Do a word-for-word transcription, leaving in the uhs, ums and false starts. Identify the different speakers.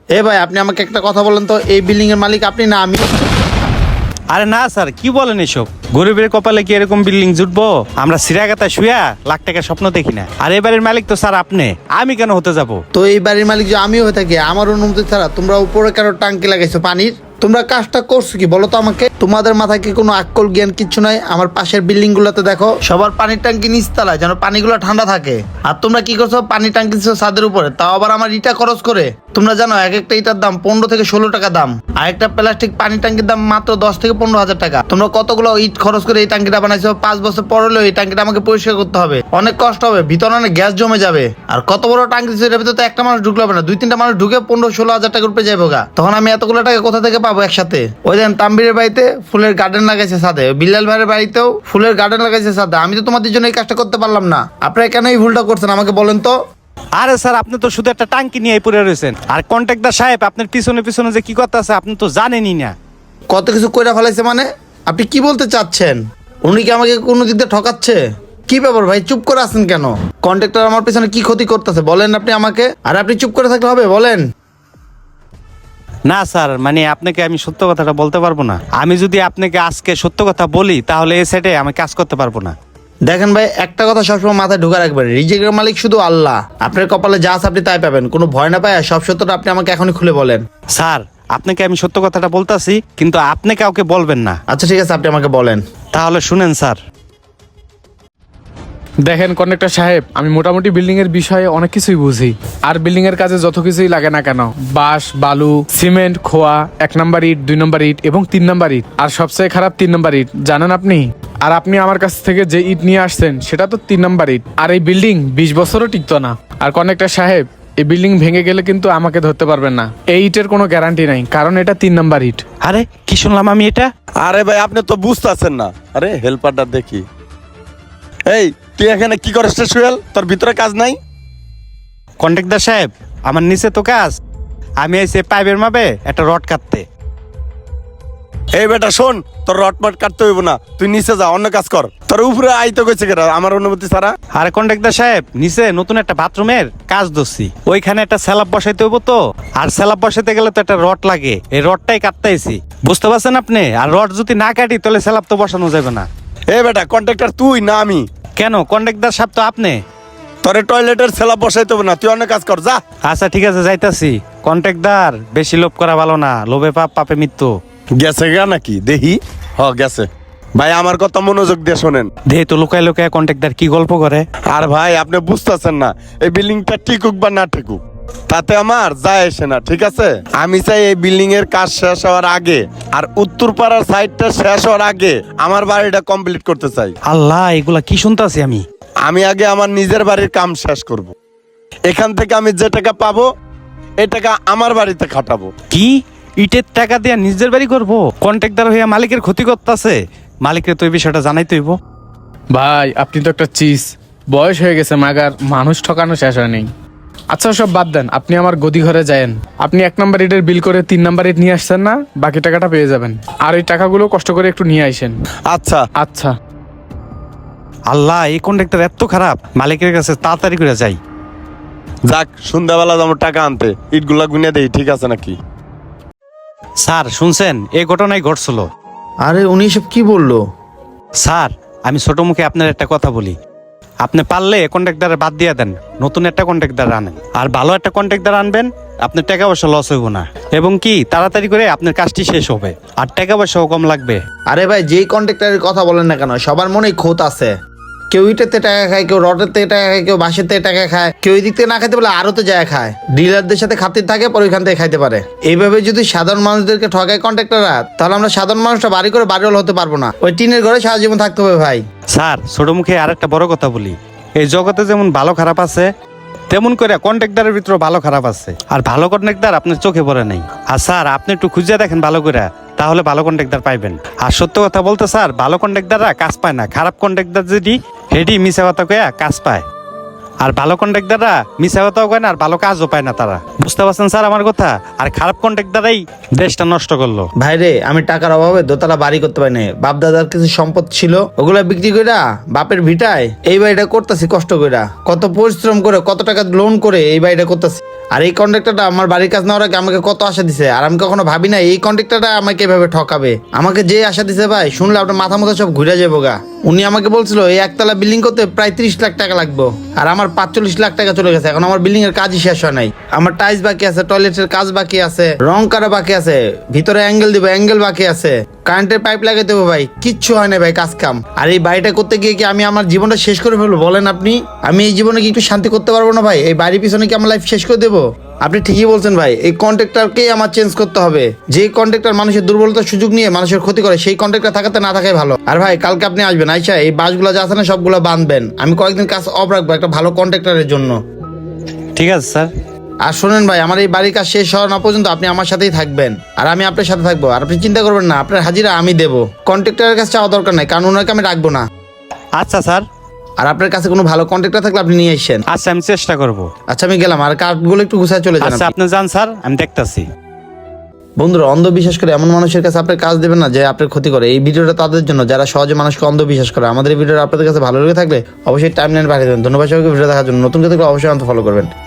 Speaker 1: এ ভাই আপনি আমাকে একটা কথা বলেন তো, এই বিল্ডিং এর মালিক আপনি না আমি?
Speaker 2: আরে না স্যার, কি বলেন এসব? গরিবের কপালে কি এরকম বিল্ডিং জুটবো? আমরা সিরাগাতা শুয়া লাখ টাকার স্বপ্ন দেখি না। আর এবারের মালিক তো স্যার আপনি, আমি কেন হতে যাব?
Speaker 1: তো এই বাড়ির মালিক যে আমিও হয়ে থাকি, আমার অনুমতি ছাড়া তোমরা উপরে কেন টাঙ্কি লাগাইছো পানির? তোমরা কাজটা করছো কি বলো তো আমাকে? তোমাদের মাথায় কি কোনো আক্কল জ্ঞান কিচ্ছু নাই? আমার পাশের বিল্ডিং গুলোতে দেখো, সবার পানির ট্যাঙ্কি নিচতলায়, যেন পানিগুলো ঠান্ডা থাকে। আর তোমরা কি করছো? পানির ট্যাঙ্কি দিচ্ছ ছাদের উপরে, তাও আবার আমার ইটা খরচ করে। তোমরা জানো এক একটা ইটার দাম পনেরো থেকে ষোলো টাকা দাম, আর একটা প্লাস্টিক পানির ট্যাঙ্কির দাম মাত্র দশ থেকে পনেরো হাজার টাকা। তোমরা কতগুলো ইট খরচ করে এই ট্যাঙ্কিটা বানাইছো? পাঁচ বছর পর হলেও এই ট্যাঙ্কিটা আমাকে পরিষ্কার করতে হবে, অনেক কষ্ট হবে, ভিতরে অনেক গ্যাস জমে যাবে। আর কত বড় ট্যাঙ্কি দিচ্ছ, এটার ভিতরে তো একটা মানুষ ঢুকলো হবে না, দুই তিনটা মানুষ ঢুকে পনেরো ষোলো হাজার টাকা উপরে যাবো গা। তখন আমি এতগুলো টাকা কোথা থেকে পাবো একসাথে? ওই দেন তাম্বিরের বাড়িতে ফুলের গার্ডেন লাগাইছে ছাদে, বিল্লাল ভাইয়ের বাড়িতেও ফুলের গার্ডেন লাগাইছে ছাদে। আমি তো তোমাদের জন্য এই কাজটা করতে পারলাম না, আপনারা কেন এই ভুলটা করছেন আমাকে বলেন তো?
Speaker 2: আরে স্যার, আপনি তো শুধু একটা টাঙ্কি নিয়ে পড়ে রয়েছেন। আর কন্ট্রাক্টর সাহেব আপনার পিছনে পিছনে যে কি করতে আছে আপনি তো জানেনই না।
Speaker 1: কত কিছু কইরা ফেলাইছে মানে? আপনি কি বলতে চাচ্ছেন? উনি কি আমাকে কোনো দিক দিয়ে ঠকাচ্ছে? কি ব্যাপার ভাই, চুপ করে আছেন কেন? কন্ট্রাক্টর আমার পিছনে কি ক্ষতি করতেছে বলেন আপনি আমাকে। আর আপনি চুপ করে থাকলে হবে? বলেন।
Speaker 2: না স্যার, মানে আপনাকে আমি সত্য কথাটা বলতে পারবো না। আমি যদি আপনাকে আজকে সত্য কথা বলি তাহলে এই সাইডে আমি কাজ করতে পারবো না।
Speaker 1: দেখেন ভাই, একটা কথা সবসময় মাথায় ঢুকা রাখবেন, রিজিকের মালিক শুধু আল্লাহ। আপনার কপালে যা আছে আপনি তাই পাবেন, কোনো ভয় না পায় সব সত্যটা আপনি আমাকে এখনই খুলে বলেন।
Speaker 2: স্যার, আপনাকে আমি সত্য কথাটা বলতাছি, কিন্তু আপনি কাউকে বলবেন না।
Speaker 1: আচ্ছা ঠিক আছে, আপনি আমাকে বলেন।
Speaker 2: তাহলে শুনেন স্যার।
Speaker 3: দেখেন কন্ট্রাক্টর সাহেব, আমি মোটামুটি বিল্ডিং এর বিষয়ে অনেক কিছুই বুঝি। আর বিল্ডিং এর কাজে যত কিছুই লাগে না কেন, বাঁশ, বালু, সিমেন্ট, খোয়া, এক নাম্বার ইট, দুই নাম্বার ইট এবং তিন নাম্বার ইট, আর সবচেয়ে খারাপ তিন নাম্বার ইট, জানেন আপনি? আর আপনি আমার কাছ থেকে যে ইট নিয়ে আসছেন সেটা তো তিন নাম্বার ইট। আর এই বিল্ডিং বিশ বছরও টিকতো না। আর কন্ট্রাক্টর সাহেব, এই বিল্ডিং ভেঙে গেলে কিন্তু আমাকে ধরতে পারবেন না। এই ইটের কোনো গ্যারান্টি নাই, কারণ এটা তিন নাম্বার ইট।
Speaker 2: আরে কি শুনলাম আমি এটা?
Speaker 4: আরে ভাই, আপনি তো বুঝতেছেন না। আরে হেল্পারটা দেখি। এই তুই এখানে কি করিস রে সুয়েল? তোর ভিতরে কাজ নাই?
Speaker 2: কন্ট্রাক্টর সাহেব, আমার নিচে তো কাজ। আমি আইছি পাইপের মাপে একটা রড কাটতে।
Speaker 4: এই বেটা শোন, তোর রটমট কাটতে হইব না, তুই নিচে যা, অন্য কাজ কর। তোর উপরে আইতে গেছে কেন আমার অনুমতি ছাড়া?
Speaker 2: আরে কন্ট্রাক্টর সাহেব, নিচে নতুন একটা বাথরুমের কাজ ধরছি, ওইখানে একটা স্ল্যাব বসাইতে হইব তো। আর স্ল্যাব বসাইতে গেলে তো একটা রড লাগে, এই রডটাই কাটতে আইছি, বুঝতে পারছেন আপনি? আর রড যদি না কাটি তাহলে স্ল্যাব তো বসানো যাবে না।
Speaker 4: এই বেটা, কন্ট্রাক্টর তুই না আমি?
Speaker 2: কেন, কন্ট্রাক্টর সাহেব তো আপনি।
Speaker 4: তোরে টয়লেটের সেলা বসাইতে হবে না, তুই অন্য কাজ কর, যা।
Speaker 2: আচ্ছা ঠিক আছে, যাইতাছি। কন্ট্রাক্টর, বেশি লোভ করা ভালো না, লোভে পাপ, পাপে মৃত্যু।
Speaker 4: গেছে গা নাকি দেখি? হ গেছে। ভাই আমার কথা মনোযোগ দিয়ে শোনেন।
Speaker 2: দে তো লুকায় লুকায় কন্ট্রাক্টর কি গল্প করে।
Speaker 4: আর ভাই আপনি বুঝতেছেন না, এই বিল্ডিংটা টিকুক বা না টিকুক তাতে আমার যায় আসে না, ঠিক আছে? আমি চাই এই বিল্ডিং এর কাজ শেষ হওয়ার আগে, আর উত্তর পাড়ার সাইডটা শেষ হওয়ার আগে আমার বাড়িটা কমপ্লিট করতে চাই।
Speaker 2: আল্লাহ, এগুলা কি শুনতাছি আমি?
Speaker 4: আমি আগে আমার নিজের বাড়ির কাম শেষ করব। এখান থেকে আমি যে টাকা পাবো এই টাকা আমার বাড়িতে খাটাবো।
Speaker 2: কি ইটের টাকা দিয়ে নিজের বাড়ি করবো? কন্ট্রাক্টর হইয়া মালিকের ক্ষতি করতেছে। মালিকের তো এই বিষয়টা জানাই তৈব।
Speaker 3: ভাই আপনি তো একটা চিজ, বয়স হয়ে গেছে মাগার, মানুষ ঠকানো শেষ হয়নি। আচ্ছা সব বাদ দেন, আপনি আমার গদি ঘরে যায়েন। আপনি এক নাম্বার ইটের বিল করে তিন নাম্বার ইট নিয়ে আসছেন না, বাকি টাকাটা পেয়ে যাবেন। আর ওই টাকাগুলো কষ্ট করে একটু নিয়ে আসেন।
Speaker 4: আচ্ছা
Speaker 3: আচ্ছা।
Speaker 2: আল্লাহ, এই কন্ট্রাক্টর এত খারাপ, মালিকের কাছে তাড়াতাড়ি করে যাই।
Speaker 4: যাক, সন্ধ্যাবেলা আমার টাকা আনতে ইটগুলা গুনে দেই, ঠিক আছে নাকি?
Speaker 2: স্যার শুনছেন, এই ঘটনাই ঘটছিল।
Speaker 1: আরে উনি সব কি বললো?
Speaker 2: স্যার, আমি ছোট মুখে আপনার একটা কথা বলি, আপনি পারলে কন্ট্রাক্টর বাদ দিয়ে দেন, নতুন একটা কন্ট্রাক্টর আনেন। আর ভালো একটা কন্ট্রাক্টর আনবেন, আপনার টাকা পয়সা লস হইব না, এবং কি তাড়াতাড়ি করে আপনার কাজটি শেষ হবে, আর টাকা পয়সাও কম লাগবে।
Speaker 1: আরে ভাই, যেই কন্ট্রাক্টরের কথা বলেন না কেন, সবার মনেই খোঁত আছে। কেউ ইটেতে টাকা খায়, কেউ রডের থেকে টাকা খায়, কেউ বাঁশের থেকে টাকা খায়, কেউ এই দিক থেকে না খাইতে বলে আরো তো যায় খায়। ডিলারদের সাথে খাতির থাকে, পরে ওইখান থেকে খাইতে পারে। এইভাবে যদি সাধারণ মানুষদেরকে ঠকায় কন্ট্রাক্টররা, তাহলে আমরা সাধারণ মানুষটা বাড়ি করে বাড়িওয়ালা হতে পারবো না, ওই টিনের ঘরে সারা জীবন থাকতে হবে ভাই।
Speaker 2: স্যার, ছোট মুখে আর একটা বড় কথা বলি, এই জগতে যেমন ভালো খারাপ আছে, তেমন করে কন্ট্রাক্টরের ভিতরে ভালো খারাপ আছে। আর ভালো কন্ট্রাক্টর আপনার চোখে পড়ে নাই। আর স্যার, আপনি একটু খুঁজে দেখেন ভালো করে, তাহলে ভালো কন্ট্রাক্টর পাইবেন। আর সত্য কথা বলতে স্যার, ভালো কন্ট্রাক্টররা কাজ পায় না, খারাপ কন্ট্রাক্টর যদি হেডি মিশা কথা কয়া কাজ পায়। আর ভালো কন্ট্রাক্টররা মিশা কথাও কয় না, আর ভালো কাজও পায় না তারা, বুঝতে পারছেন স্যার আমার কথা? আর খারাপ কন্ট্রাক্টররাই দেশটা নষ্ট করলো।
Speaker 1: ভাই রে, আমি টাকার অভাবে দোতলা বাড়ি করতে পারি না, বাপ দাদার কিছু সম্পদ ছিল, ওগুলা বিক্রি কইরা বাপের ভিটায় এই বাড়িটা করতেছি কষ্ট কইরা, কত পরিশ্রম করে, কত টাকা লোন করে এই বাড়িটা করতেছি। আর এই কন্ট্রাক্টরটা আমার বাড়ির কাজ নেওয়ার আগে আমাকে কত আশা দিছে, আর আমি কখনো ভাবি না এই কন্ট্রাক্টরটা আমাকে এভাবে ঠকাবে। আমাকে যে আশা দিছে ভাই, শুনলে আপনার মাথা মতো সব ঘুরে যাবো গা। উনি আমাকে বলছিল এই একতলা বিল্ডিং করতে প্রায় ত্রিশ লাখ টাকা লাগবে, আর আমার পাঁচচল্লিশ লাখ টাকা চলে গেছে। এখন আমার বিল্ডিং এর কাজই শেষ হয় নাই। আমার টাইলস বাকি আছে, টয়লেটের কাজ বাকি আছে, রং করা বাকি আছে, ভিতরে অ্যাঙ্গেল দিব, অ্যাঙ্গেল বাকি আছে, কারেন্টের পাইপ লাগাই দেবো ভাই, কিচ্ছু হয় না ভাই কাজ কাম। আর এই বাড়িটা করতে গিয়ে কি আমি আমার জীবনটা শেষ করে ফেলবো বলেন আপনি? আমি এই জীবনে কি একটু শান্তি করতে পারবো না ভাই? এই বাড়ির পিছনে কি আমার লাইফ শেষ করে দেবো? আপনি ঠিকই বলছেন ভাই, এই কন্ট্রাক্টরকেই আমার চেঞ্জ করতে হবে। যে কন্ট্রাক্টর মানুষের দুর্বলতার সুযোগ নিয়ে মানুষের ক্ষতি করে, সেই কন্ট্রাক্টর থাকাতে না থাকাই ভালো। আর ভাই কালকে আপনি আসবেন, আইসা এই বাসগুলো যা আছে না সবগুলো বাঁধবেন। আমি কয়েকদিন কাজ অফ রাখবো একটা ভালো কন্ট্রাক্টরের জন্য।
Speaker 2: ঠিক আছে স্যার।
Speaker 1: আর শোনেন ভাই, আমার এই বাড়ির কাজ শেষ হওয়া না পর্যন্ত আপনি আমার সাথেই থাকবেন, আর আমি আপনার সাথে থাকবো। আর আপনি চিন্তা করবেন না, আপনার হাজিরা আমি দেবো। কন্ট্রাক্টরের কাছে চাওয়া দরকার নাই, কারণ ওনাকে আমি রাখবো না।
Speaker 2: আচ্ছা স্যার।
Speaker 1: আর আপনার কাছে কোনো ভালো কন্ট্রাক্টর থাকলে আপনি নিয়ে আসেন।
Speaker 2: আচ্ছা আমি চেষ্টা করব।
Speaker 1: আচ্ছা আমি গেলাম, আর কাঠগুলো একটু গুছায় চলে যান
Speaker 2: আচ্ছা
Speaker 1: আপনি।
Speaker 2: আপনি যান স্যার, আমি দেখতাছি।
Speaker 1: বন্ধুরা, অন্ধবিশ্বাস করে এমন মানুষের কাছে আপনার কাজ দেবেন না যে আপনার ক্ষতি করে। এই ভিডিওটা তাদের জন্য যারা সহজে মানুষকে অন্ধবিশ্বাস করে। আমাদের এই ভিডিওটা আপনাদের কাছে ভালো লেগে থাকলে অবশ্যই টাইম লাইন পাঠিয়ে দেবেন। ধন্যবাদ সবাইকে ভিডিও দেখার জন্য। নতুন কেউ থাকলে অবশ্যই আমাকে ফলো করবেন।